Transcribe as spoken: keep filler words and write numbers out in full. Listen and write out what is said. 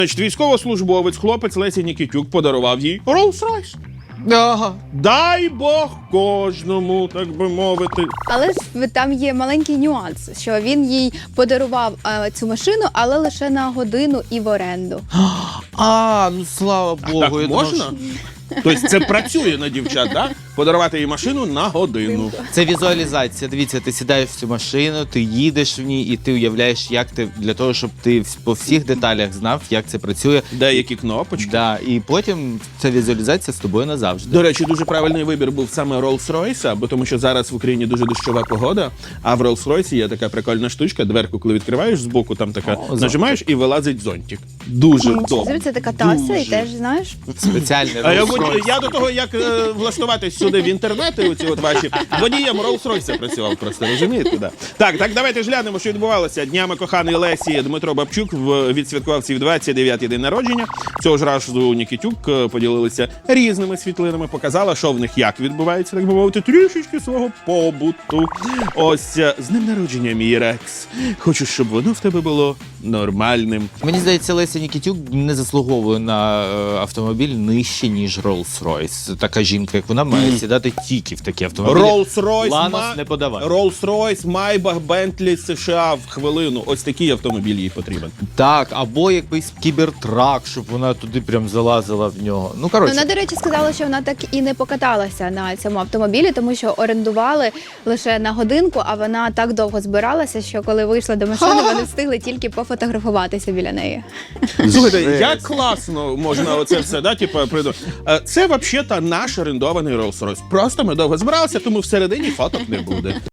Значить, військовослужбовець, хлопець Лесі Нікітюк подарував їй Rolls-Royce. Ага. Дай Бог кожному, так би мовити. Але ж там є маленький нюанс, що він їй подарував е, цю машину, але лише на годину і в оренду. А, ну слава Богу. Так я можна? думав, Тобто це працює на дівчат, так? Подарувати їй машину на годину. що- Це візуалізація. Дивіться, ти сідаєш в цю машину, ти їдеш в ній і ти уявляєш, як ти, для того, щоб ти вс- по всіх деталях знав, як це працює. Деякі кнопочки. Да, і потім ця візуалізація з тобою назавжди. До речі, дуже правильний вибір був саме Rolls-Royce, бо тому що зараз в Україні дуже дощова погода, а в Rolls-Royce є така прикольна штучка, дверку, коли відкриваєш збоку, там така, О, нажимаєш і вилазить зонтик. Дуже добре. Це така тася, і Дуже. теж, знаєш, Спеціальний А я, Rolls-Royce. водій- я до того, як е, влаштуватись сюди в інтернети, оці от ваші, водієм Rolls-Royce працював просто, розумієте? Да. Так, так, давайте ж глянемо, що відбувалося. Днями коханої Лесі Дмитро Бабчук в- відсвяткував свій двадцять дев'ятий день народження. Цього ж разу Нікітюк е, поділилися різними світлинами, показала, що в них як відбувається, так би мовити, трішечки свого побуту. Ось, е, з днем народження, мій Рекс. Хочу, щоб воно в тебе було нормальним. Мені здається, Леся Нікітюк не заслуговує на е, автомобіль нижче, ніж Rolls-Royce. Така жінка, як вона, має сідати тільки в такі автомобілі. Rolls-Royce, Ланос Ма- не подавай. Rolls-Royce, Maybach, Bentley, США в хвилину. Ось такий автомобіль їй потрібен. Так, або якийсь кібертрак, щоб вона туди прям залазила в нього. Ну, коротше. вона, до речі, сказала, що вона так і не покаталася на цьому автомобілі, тому що орендували лише на годинку, а вона так довго збиралася, що коли вийшла до машини, вони встигли тільки пофотографуватися біля неї. Слухайте, Жесть. як класно можна оце все, да, типу, приду. Е, Це взагалі наш орендований Rolls-Royce. Просто ми довго збиралися, тому всередині фоток не буде.